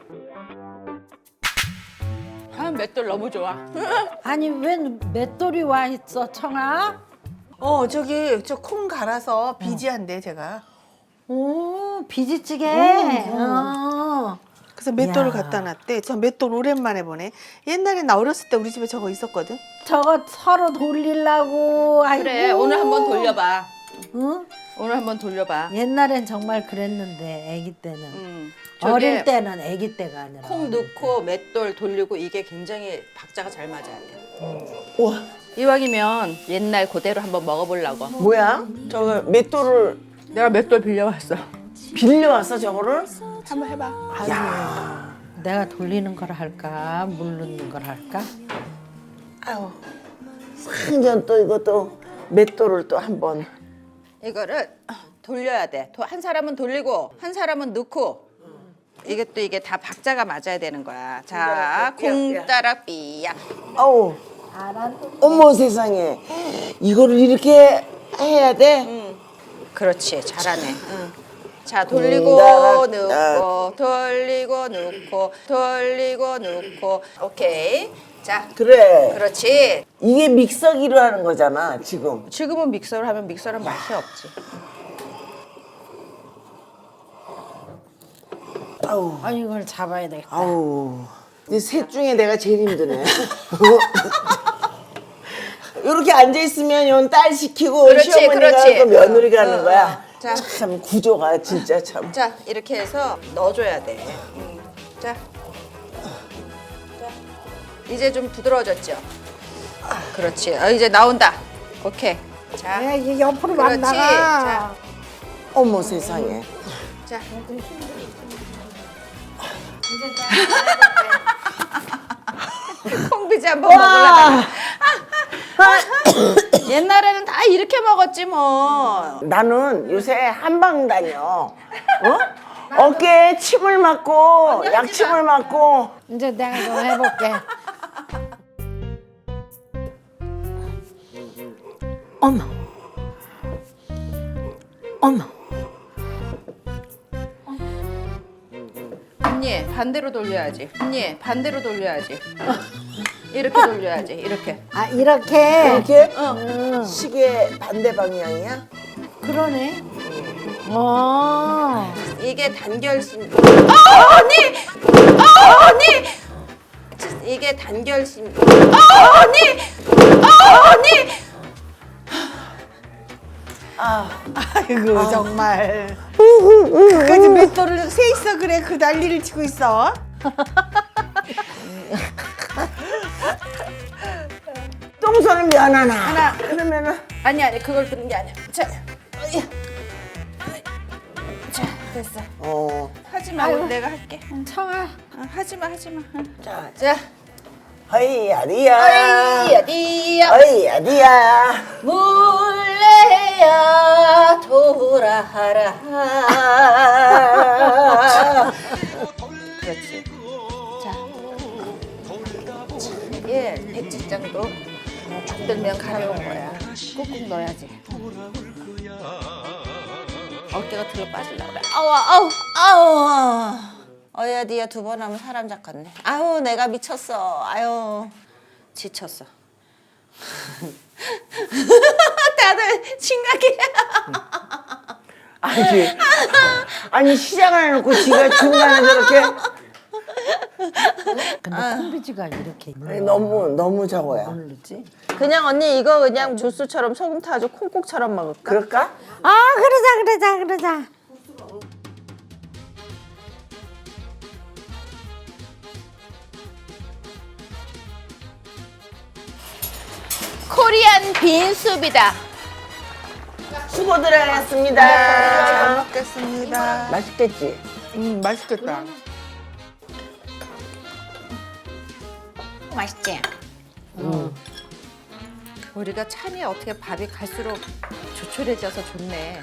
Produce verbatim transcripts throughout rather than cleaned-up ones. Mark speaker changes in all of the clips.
Speaker 1: 아, 맷돌 너무 좋아.
Speaker 2: 아니 왜 맷돌이 와 있어 청아?
Speaker 3: 어 저기 저 콩 갈아서 비지한데 제가.
Speaker 2: 오 비지찌개.
Speaker 3: 음,
Speaker 2: 어.
Speaker 3: 그래서 맷돌을
Speaker 2: 이야.
Speaker 3: 갖다 놨대. 저 맷돌 오랜만에 보네. 옛날에 나 어렸을 때 우리 집에 저거 있었거든.
Speaker 2: 저거 서로 돌리려고. 아이고.
Speaker 1: 그래, 오늘 한번 돌려봐.
Speaker 2: 응?
Speaker 1: 오늘 한번 돌려봐.
Speaker 2: 옛날엔 정말 그랬는데 아기 때는.
Speaker 1: 음,
Speaker 2: 어릴
Speaker 1: 저게
Speaker 2: 때는 아기 때가 아니라.
Speaker 1: 콩 넣고 맷돌 돌리고 이게 굉장히 박자가 잘 맞아야 돼.
Speaker 4: 우와,
Speaker 1: 이왕이면 옛날 그대로 한번 먹어보려고.
Speaker 4: 뭐야? 저거 맷돌을
Speaker 1: 내가 맷돌 빌려왔어.
Speaker 4: 빌려왔어 저거를?
Speaker 1: 한번 해봐.
Speaker 4: 야,
Speaker 2: 내가 돌리는 걸 할까 물 넣는 걸 할까?
Speaker 4: 아유, 상전 또 이것도 맷돌을 또 한번.
Speaker 1: 이거를 돌려야 돼. 도- 한 사람은 돌리고 한 사람은 넣고. 이게 또 이게 다 박자가 맞아야 되는 거야. 자, 콩 따라 삐약.
Speaker 4: 아우,
Speaker 2: 알아.
Speaker 4: 어머 세상에, 이거를 이렇게 해야 돼?
Speaker 1: 응. 그렇지, 잘하네. 응. 자, 돌리고
Speaker 4: 따라-
Speaker 1: 넣고, 돌리고 넣고, 돌리고 넣고. 오케이. 자,
Speaker 4: 그래.
Speaker 1: 그렇지.
Speaker 4: 이게 믹서기로 하는 거잖아 지금.
Speaker 1: 지금은 믹서를 하면 믹서는 맛이 없지.
Speaker 4: 아우,
Speaker 2: 아 이걸 잡아야 되겠다.
Speaker 4: 아우. 근데 셋 중에 내가 제일 힘드네. 이렇게 앉아 있으면 yon 딸 시키고
Speaker 1: 그렇지,
Speaker 4: 시어머니가
Speaker 1: 그렇지.
Speaker 4: 하고 며느리가
Speaker 1: 어,
Speaker 4: 하는
Speaker 1: 어,
Speaker 4: 거야.
Speaker 1: 어. 자.
Speaker 4: 참 구조가 진짜 참.
Speaker 1: 자, 이렇게 해서 넣어줘야 돼. 음. 자. 자. 이제 좀 부드러워졌죠? 그렇지. 어, 이제 나온다. 오케이. 자.
Speaker 2: 야, 이게 옆으로 막
Speaker 1: 그렇지.
Speaker 2: 나가.
Speaker 4: 어머 세상에.
Speaker 1: 자. 콩비지 한번 먹으려다가. 옛날에는 다 이렇게 먹었지 뭐.
Speaker 4: 나는 요새 한방 다녀. 어? 어깨에 침을 맞고 약침을 맞고.
Speaker 2: 이제 내가 좀 해볼게. 어머. 어머.
Speaker 1: 언니 반대로 돌려야지. 언니 반대로 돌려야지. 이렇게 돌려야지. 이렇게.
Speaker 2: 아 이렇게.
Speaker 4: 이렇게
Speaker 2: 응.
Speaker 4: 시계 반대 방향이야?
Speaker 2: 그러네. 어.
Speaker 1: 이게 단결심. 어 언니. 어 언니. 이게 단결심. 어 언니. 어 언니.
Speaker 3: 아이고 정말. 그까지 맷돌을 세 있어 그래 그 난리를 치고 있어.
Speaker 4: 똥손은 면 하나. 하나. 그러면은
Speaker 1: 아니 아니 그걸 드는 게 아니야. 자. 어이. 자 됐어.
Speaker 4: 어.
Speaker 1: 하지 마. 우리 내가 할게.
Speaker 2: 청아.
Speaker 1: 어, 하지 마 하지 마. 어.
Speaker 4: 자,
Speaker 1: 자.
Speaker 4: 허이야디야.
Speaker 1: 어이야디야.
Speaker 4: 허이야디야.
Speaker 1: 물레야 돌아라. 그렇지. 자, 이게 백지장도 쭉 들면 가려운 거야. 꾹꾹 넣어야지. 어깨가 들어 빠질라 그래. 아우 아우 아우. 어야 니야 두 번 하면 사람 잡겠네. 아우 내가 미쳤어. 아유 지쳤어. 다들 심각해.
Speaker 4: 아니, 아니 시작을 해놓고 지가 중간에 저렇게.
Speaker 2: 근데 콩비지가 이렇게
Speaker 4: 아니, 너무 너무 적어요.
Speaker 2: 모르지?
Speaker 1: 그냥 언니 이거 그냥 주스처럼 소금 타가지고 콩국처럼 먹을까?
Speaker 4: 그럴까?
Speaker 2: 아 그러자 그러자 그러자.
Speaker 1: 코리안 빈수비다.
Speaker 4: 수고들 하셨습니다.
Speaker 3: 잘 먹겠습니다.
Speaker 4: 맛있겠지?
Speaker 3: 음 맛있겠다.
Speaker 1: 맛있지? 음. 우리가 참이 어떻게 밥이 갈수록 조촐해져서 좋네.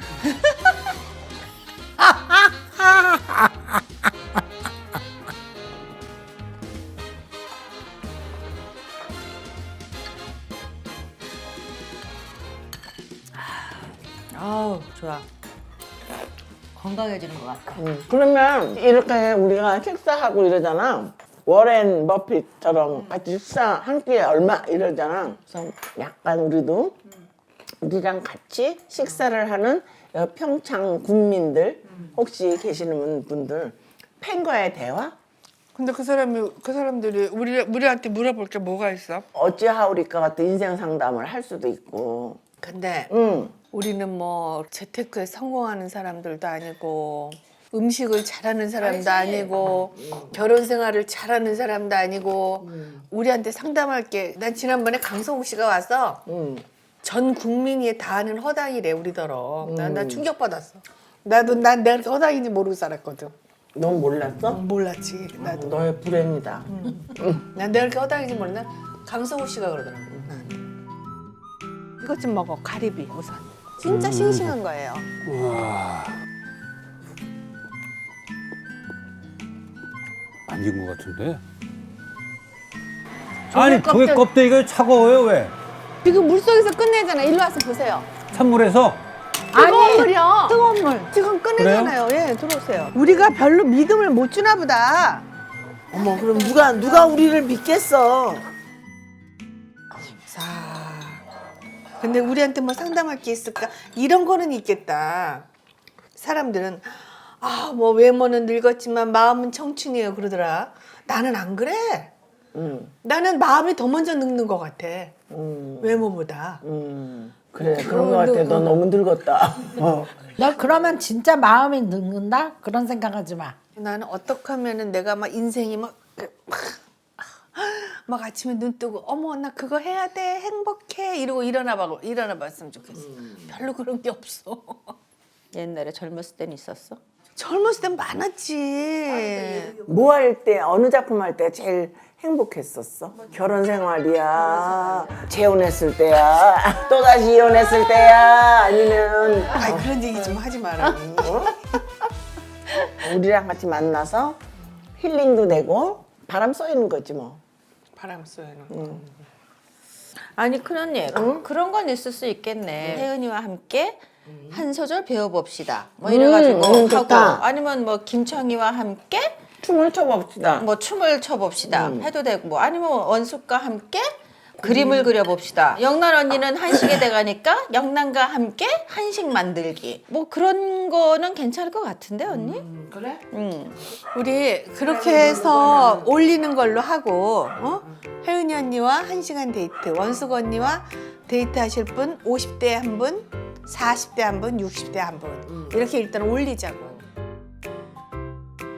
Speaker 1: 아우 좋아.
Speaker 2: 건강해지는 것 같아.
Speaker 4: 음, 그러면 이렇게 우리가 식사하고 이러잖아. 워렌 버핏처럼 같이 식사 한 끼에 얼마 이러잖아. 그래서 약간 우리도 우리랑 같이 식사를 하는 평창 국민들 혹시 계시는 분들 팬과의 대화?
Speaker 3: 근데 그 사람이 그 사람들이 우리 우리한테 물어볼 게 뭐가 있어?
Speaker 4: 어찌하오리까 같은 인생 상담을 할 수도 있고.
Speaker 3: 근데
Speaker 4: 응.
Speaker 3: 우리는 뭐 재테크에 성공하는 사람들도 아니고 음식을 잘하는 사람도 아니고 결혼 생활을 잘하는 사람도 아니고 우리한테 상담할 게 난 지난번에 강성욱 씨가 와서
Speaker 4: 응.
Speaker 3: 전 국민이 다 아는 허당이래 우리더러. 난, 난 충격받았어. 나도 난 내가 그렇게 허당인지 모르고 살았거든.
Speaker 4: 넌 몰랐어?
Speaker 3: 몰랐지 나도.
Speaker 4: 너의 불행이다.
Speaker 3: 난 내가 그렇게 허당인지 몰랐나? 강성욱 씨가 그러더라고. 나한테. 이것 좀 먹어 가리비 우선. 진짜 싱싱한 거예요.
Speaker 5: 와. 안 익은 것 같은데? 아니, 조개 껍데기가 차가워요, 왜?
Speaker 3: 지금 물속에서 끝내잖아. 일로 와서 보세요.
Speaker 5: 찬물에서?
Speaker 3: 뜨거운 물이요.
Speaker 2: 뜨거운 물.
Speaker 3: 지금 끝내잖아요. 예, 들어오세요. 우리가 별로 믿음을 못 주나 보다.
Speaker 4: 어머, 그럼 누가 누가 우리를 믿겠어?
Speaker 3: 자, 근데 우리한테 뭐 상담할 게 있을까? 이런 거는 있겠다. 사람들은 아, 뭐 외모는 늙었지만 마음은 청춘이에요 그러더라. 나는 안 그래.
Speaker 4: 응.
Speaker 3: 나는 마음이 더 먼저 늙는 것 같아.
Speaker 4: 응.
Speaker 3: 외모보다.
Speaker 4: 음, 그래 그런 거 같아. 너 너무 늙었다. 어.
Speaker 2: 너 그러면 진짜 마음이 늙는다? 그런 생각하지 마.
Speaker 3: 나는 어떻게 하면은 내가 막 인생이 막, 막, 막 아침에 눈 뜨고 어머 나 그거 해야 돼 행복해 이러고 일어나 봐 일어나 봤으면 좋겠어. 별로 그런 게 없어.
Speaker 1: 옛날에 젊었을 땐 있었어?
Speaker 3: 젊었을 땐 많았지.
Speaker 4: 뭐 할 때 어느 작품 할 때 제일 행복했었어? 결혼 생활이야, 재혼했을 때야, 또 다시 이혼했을 때야, 아니면
Speaker 3: 아이 그런 얘기 좀 하지 마라.
Speaker 4: 우리랑 같이 만나서 힐링도 되고 바람 쏘이는 거지 뭐.
Speaker 3: 바람 쏘는.
Speaker 4: 응.
Speaker 1: 아니 큰언니 그런 건 있을 수 있겠네. 혜은이와 함께 한 소절 배워봅시다. 뭐 이래가지고
Speaker 4: 음, 음,
Speaker 1: 하고
Speaker 4: 좋다.
Speaker 1: 아니면 뭐 김청이와 함께
Speaker 4: 춤을 춰봅시다.
Speaker 1: 뭐 춤을 춰봅시다 해도 되고 뭐 아니면 원숙과 함께 그림을 그려봅시다. 영란 언니는 한식에 돼가니까 영란과 함께 한식 만들기 뭐 그런 거는 괜찮을 것 같은데 언니?
Speaker 3: 그래?
Speaker 1: 응.
Speaker 3: 우리 그렇게 해서 올리는 걸로 하고 어? 혜은이 언니와 한 시간 데이트, 원숙 언니와 데이트 하실 분 오십 대 한 분, 사십 대 한 분, 육십 대 한 분 이렇게 일단 올리자고.